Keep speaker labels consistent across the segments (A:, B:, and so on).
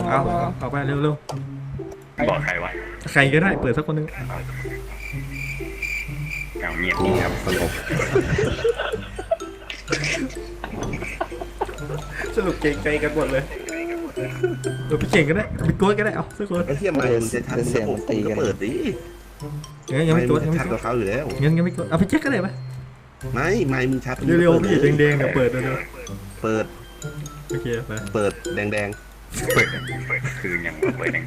A: เอาไปเร็ว
B: บอกใครวะ
A: ๆใครก็ได้เปิดสักคนนึง
B: เอาเงียบนี่ครับสงบ
A: สรุปเก่งใจกันหมดเลยพี่เก่งก็ได้พี่โก้ก็ได้เอาสักคน
C: ไอ้เทียมไม่มันจะชัดระบบมันก็เปิดดิ
A: ยังไม่โก้
C: มันชัดกว่าเขาอยู่แล้ว
A: ยังไม่โก้เอาพี่แจ็คก็ได้ปะ
C: ไม่มึงชัด
A: เร็วๆพี่แดงๆเดี๋ยวเปิดเร็ว
C: เปิด
A: ๆโอเคไป
C: เปิดแดง
B: เปิดคือยังเปิดแดง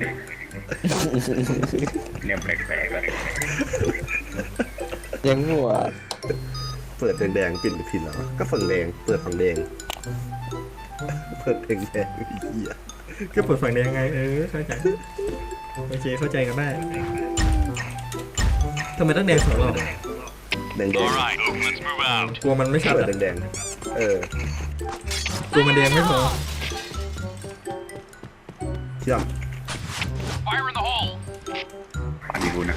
B: ๆเนี่ยแปลกๆเลย
D: ยังหัว
C: เปิดแดงปิดผิดแล้วก็ฝั่งแดงเปิดฝั่งแดงเปิดแดงไอ้เหี้ย
A: ก็เปิดฝั่งแดงไงเข้าใจโอเคเข้าใจกันได้ทำไมต้องแดงสองรอบ
C: แดง
A: กลัวมันไม่ชัด
C: เปิด
A: อะ
C: แดง
A: กลัวมันแดงไม่พอ
C: เชื่อม
B: อันนี้กูนะ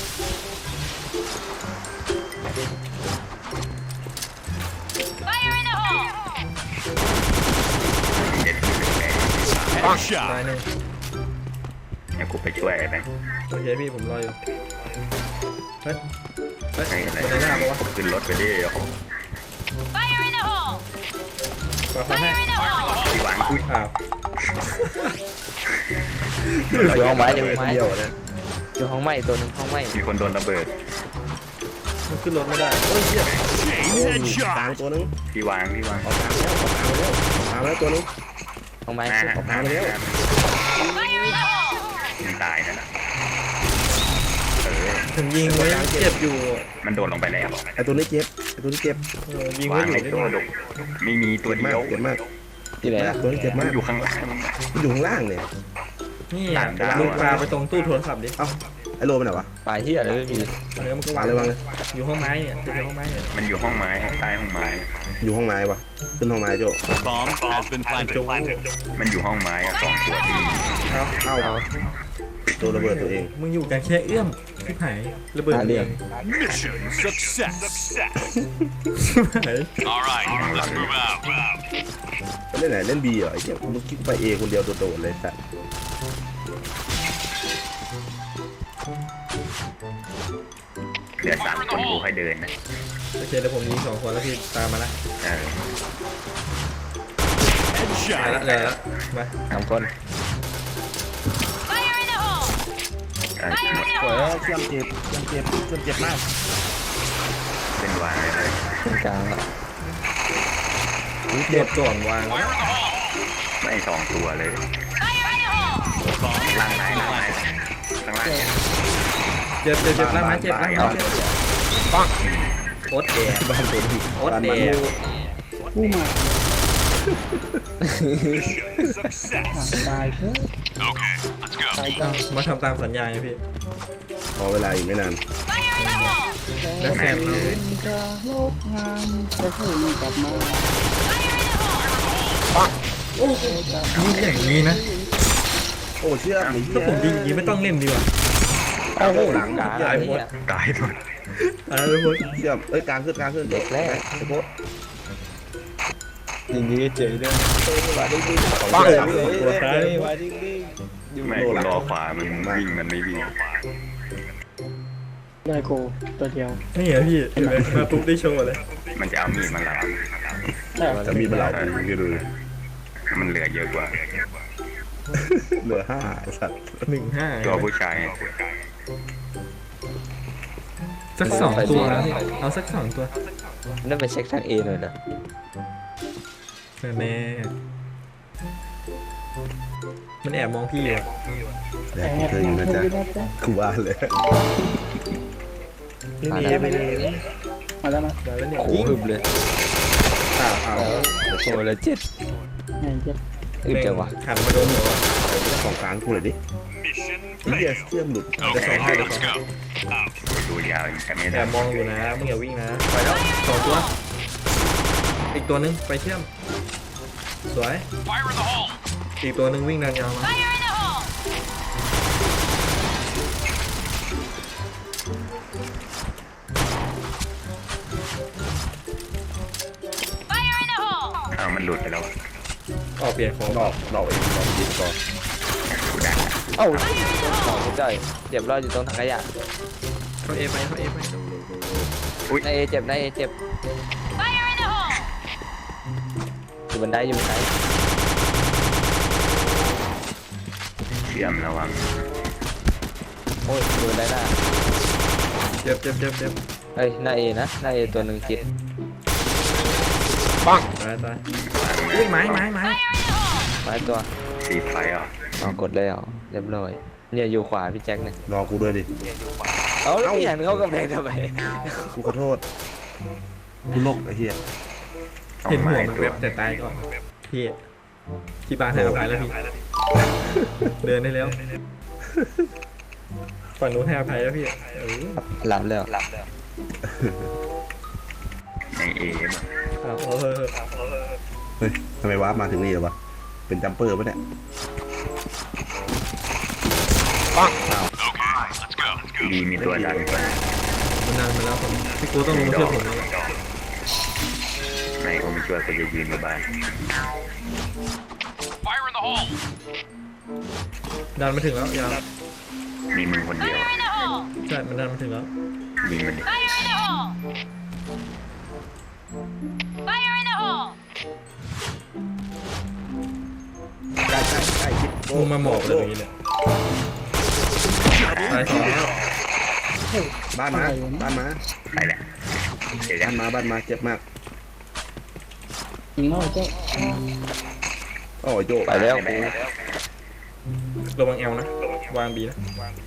A: ตายหนึ่ง
B: เดี๋ยวกูไปช่วยไอ้แบงค์
A: โอเคพี่ผมรออยู่เฮ้ย
B: ใครอะไร
A: คนไหนหน้าปะวะ
B: ขึ้นรถไปดิโอ้โห
A: มาเขาให้
B: ที่วางกู
A: อ้าว
D: อยู่ห้องไม้อยู่ห้องไม้
C: เดียวนะ
D: อยู่ห้องไม้ตัวนึงห้องไม้
B: มีคนโดนระเบิด
A: มันขึ้นรถไม่ได้โอ้ยเหี้ย
C: กลางตัวนึง
B: ที่วาง
C: ออกกลางแล้วตัวนึง
D: ห้องไม้
B: หน้า
C: ออกมาแล้ว
B: มันตายนั่นน่ะ
A: ถึงยิงไว้เจ็บอยู่
B: มันโดดลงไปแล้ว
C: ไอ้ตัวนี้เจ็บ
A: ยิง
B: วา
A: ไว้
B: ง
A: อยู่
B: ใน
A: ได้
B: ตัว
A: ไหม
B: ดุไม่มีตัวเดียว
C: เจ็บมาก
D: ที่ไหนล่ะ
C: ตัวนี้เจ็บ
B: มั
C: มาน ก
B: อยู่ข้างล่าง
C: มันอยู่ข้างล่างเนี่ย
A: นี่ลูกปลาไปตรงตู้โทรศัพท์ดิ
C: เอ้าไอ้โลเป็นไหนวะ
D: ปลายที่อะไรไม่มี
A: แล้วมันก็
C: วางเลยวางเลย
A: อยู่ห้องไม้เนี่ยอยู่ห้องไม้เนี่ย
B: มันอยู่ห้องไม้ใต้ห้องไม้
C: อยู่ห้องไม้ปะขึ้นห้องไม้โจ
E: Bomb has been planted.
B: มันอยู่ห้องไม้อะสองตัวที่
C: เอาตัวระเบิดตัวเอง
A: มึงอยู่กันแค่เอื้อมที่หายระเบิดเอง
E: Mission success.
A: หาย
E: All right, let's move out.
C: เล่นไหนเล่นบีเหรอไอ้เหี้ยมึงคิดไปเอคนเดียวโดดๆเลยสัตว์
B: เหลือ3 คนกูให้เดินนะ
A: โอเคแล้วผมยิง2 คนแล้วพี่ตามมาละ
B: เออ
A: มาละ
E: Headshot.
A: เลยละมา
D: 3 คน
B: หมด
C: โอ้ยเชื่อมเจ็บมาก
B: เป็นวางเลย
D: ตรงกลางอ่ะ
A: เจ็บก่อนวาง
B: ไม่2 ตัวเลย
E: Bomb
B: ล่างไหน
E: has been
B: ล่างไหน
E: planted.
B: ข้างล่างเนี่ย
A: เจ็บล่างไม้เจ็บล่างไม้เจ็บปังโอ๊ตแดง
C: บ้านตัวนี้
A: โอ๊ตแดง
E: Success. Okay, let's go.
A: มาทำตามสัญญาไงพี่
C: ขอเวลาอีกไม่นาน
A: แล้วแซมเลยโอ้ยิงอย่างนี้นะ
C: โอ้เชื่อมไอ้เหี้
A: ถ้าย ผมยิงอย่างนี้ไม่ต้องเล่นดีกว่า
C: โอ้โหหลัง
D: กลาง
A: ตายหมด
B: ตายหมด
A: ตายไปหมด
C: เชื่อมกลางขึ้น
D: เด็กแรก
C: ไอ้โค้ด
D: ยิงดีเจ๋ด้วย
C: ปัง
A: ตัวท้าย
B: ไม่กูรอขวามันวิ่งมันไม่วิ่ง
F: ได้โกตัวเดียว
A: นี่เหรอพี่เห็นไหมมาปุ๊บได้โชว์เลย
B: มันจะเอามีดมาหลับ
F: ได้
C: จะมีเวลาดูกันดู
B: มันเหลือเยอะกว่า
C: เหลือ5ไอ้สัตว์
A: 1-5
B: ตัวผู้ชาย
A: สัก2 ตัวนะพี่เอาสัก2 ตัว
D: นั่นไปเช็คทางเอหน่อยนะ
A: แน่มันแอบมองพี่อยู่
C: แล้วกูเคยอยู่นะจ๊ะกูว่าเลย
D: มา
A: นี่
D: แล้ว
A: ไปเลย
F: มาแล้วนะ
A: แล้วเนี่ย
D: โอ้โหฮึบเลย
A: เอา
D: โอ้แล้ว7
F: ไงเจ็บ
D: อึดจังวะ
A: ขันมาโดนหัว
C: ของกลางกูเลยดิ
E: Mission
C: ไอ้เหี้ย
E: failed.
C: เชื่อมหลุด
E: Okay, let's go.
B: ดูยาวแต่ไม่
A: แอ
B: ได้
A: บมองอยู่นะมึงอย่าวิ่งนะไปแล้ว2 ตัวอีกตัวนึงไปเชื่อมสวย
E: Fire in the hole.
A: อีกตัวนึงวิ่งเดินยาวมา
B: อ้าวมันหลุดไปแล้ว
A: ออกเปลี่ยนของ
C: ดอกเองดอกยิงก่อน
D: เอ้าของคุณจ่อยเจ็บรอดอยู่ตรงถังขยะ
A: เขาเอไปเขาเอไป
D: นายเอเจ็บนายเอเจ็บอยู่บันไดอยู่บันได
B: เชื่อมระวัง
D: โอ้ยอยู่บันไดหน้า
A: เจ็บเจ็บเจ็บเจ็บ
D: เฮ้ยนายเอนะนายเอตัวหนึ่งคิด
A: ตายตายอุ้ยไม้
D: ไม้ตัว
B: สีไฟอ่ะ
D: อ๋อกดแล้วเรียบร้อยเนี่ยอยู่ขวาพี่แจ็คเนี่ย
C: รอกูด้วยดิ
D: เอาแล้วพี่หันเข้ากำแพงทำไม
C: กูขอโทษกูโลกไอ้เหี้ย
A: เห็นหัวมันแบบแต่ตายก่อนพี่ที่บ้านให้อภัยแล้วพี่เดินได้แล้วฝั่งนู้นให้อภัยแล้วพี่
D: หลับแล้ว
B: ในเอม
A: ครับ
C: เฮ้ยทำไมวาร์ปมาถึงนี่เหรอวะเป็นจัมเปอร์ปะเนี่ย
B: ดีมีตัวดันก่อน
A: มันนานมาแล้วผมพี่กูต้องลงมาช่วยผมแล้ว
B: ในโอมิชัวก็จะยืนมาบ้าน
E: Fire in the hole!
A: ดันมาถึงแล้วยาว
B: มีมึงคนเดียว
A: ใช่มันดันมาถึงแล้ว
B: ยิงมันดิ
C: ใกล้คิด
A: มึงมาหมอบเลยอย่างนี้เนี่ยตายสองแล้ว
C: บ้านมาบ้านมา
B: ไปแหละเดี๋ยวจะ
C: บ้านมาเจ็บมาก
F: ยิงนอกเจ๊
C: โอ้ยโย
D: ไปแล้วกู
A: ระวังเอลนะวางบีนะ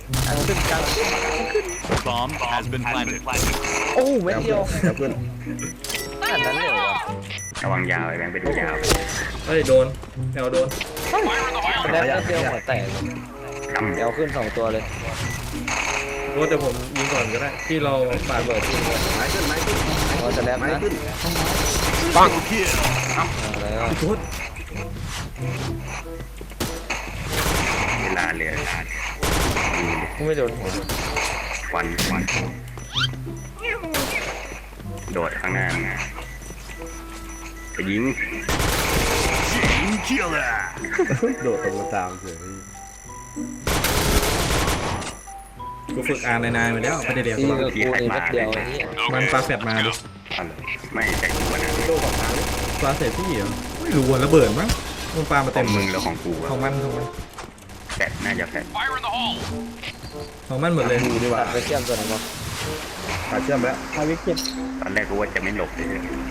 E: Bomb has been planted.
D: โอ้เม็ดเดียว
C: แล้วเพื่อน
D: ขนาดนั้นเลยเหรอ
B: ระวังยาวไอ้แบงค์ไปดูยาว
A: เฮ้ยโดนเอลโดน
D: แล้วเม็ดเดียวหัวแตก
B: กำ
D: เดี๋ยวขึ้น2ตัวเลย
A: รู้แต่ผมยิงก่อนก็ได้ที่เราปาดเบิดที่
C: ไม้ขึ้น
D: พอจะแล้ว
C: ไม้
D: นะ
C: ขึ้น
D: แล้ว
A: พุท
B: เวลาเหลือ
D: กูไม่โดนหัว
B: ควันโดดข้างหน้าไปยิง
E: Chain killer!
C: โดดตรงตามเฉย
A: กูฝึกอ่านนายมาแล้วไม่ได้เดี๋ยว
D: ที่กับกูนี่เม็ดเดียวไอ้นี่
A: มันปลาแฟดมาดิ
B: อะไรไม่ใช่ตัวนะ
C: โดดฝั่งทางเลย
A: ปลาเสร็จพี่เหรอไม่รู้วันระเบิดมั้งมันปลามา
B: ขอ
A: เต็
B: ง
A: ม
B: มึงแล้วของกู
A: ของมัน
B: แฟดน่าจะแฟด
E: Fire in the hole!
A: ของมันหมดเลย
C: มือดีกว่า
D: ตัดไปเชื่อมตัวไหนบ้าง
C: ขาเชื่อมแล้ว
F: พาวิกเจ็บ
B: ตอนแรกกูว่าจะไม่หลบเลย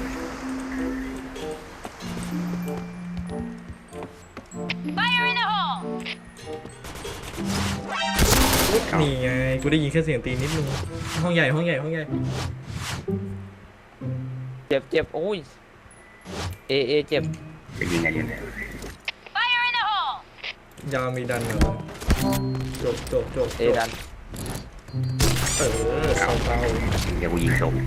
A: นี่ไงกูได้ยินแค่เสียงตีนิดนึงห้องใหญ่
D: เจ็บโอ้ยเอเจ็บ
B: จะยิงอะไรเนี่ย
A: ยาวมีดันเหรอจบ
D: เอดัน
A: เออเศร้า
B: เดี๋ยวกูยิงศพ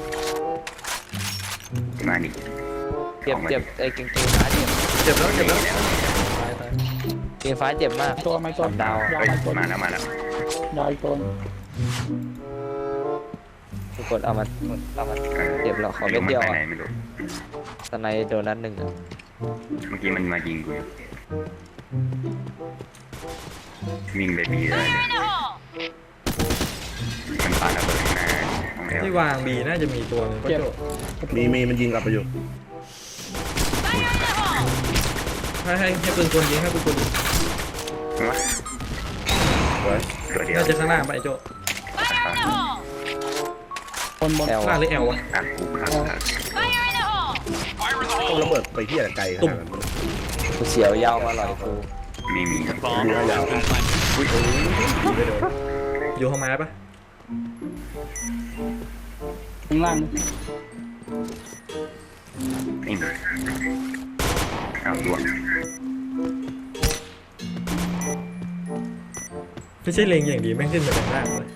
B: มาดิ
D: เจ็บไอ้เก่งฟ้าเจ็บ
A: เจ็บแล้วตาย
D: เก่งฟ้าเจ็บมาก
F: ตัวไม่ตัว
D: ดาว
F: ดาว
B: เฮ้ย
F: ไม่ตัว
B: มาแล้ว
F: ดาวอีกตัว
D: ทุกคนเอามาเจ็บแล้วขอเม็ดเดียว
B: ไป
D: อ่ะ
B: ไหนไม่รู้
D: ตอนในโดนนัดหนึ่งอ่ะ
B: เมื่อกี้มันมายิงกูวิ่งไปบีเลยมันปาระเบิดนะของแอล
A: ที่วางบีน่าจะมีตัวนึงก็โจ
C: มีมันยิงกลับไปอยู่
A: ให้ปืนกลยิงให้ปืนกลยิง
B: วะตัวเดียว
A: น่าจะข้างล่างไปโจ
F: บน
D: แอล
A: ล่างหรือแอลวะ
B: อ่ะกูครับ
E: Fire in the
C: ต้อง
E: hole!
C: ระเบิดไปที่อะไรไกลขนาดนั้น
D: กูเสียวยาวมาหลอยกู
B: ไม่มี
E: Bomb has been planted.
A: อยู่ห้องไม้ปะ
F: ข้างล่าง
B: ไม่มีเอาดวง
A: ไม่ใช่เลงอย่างดีแม่งขึ้นมาจากล่างเลย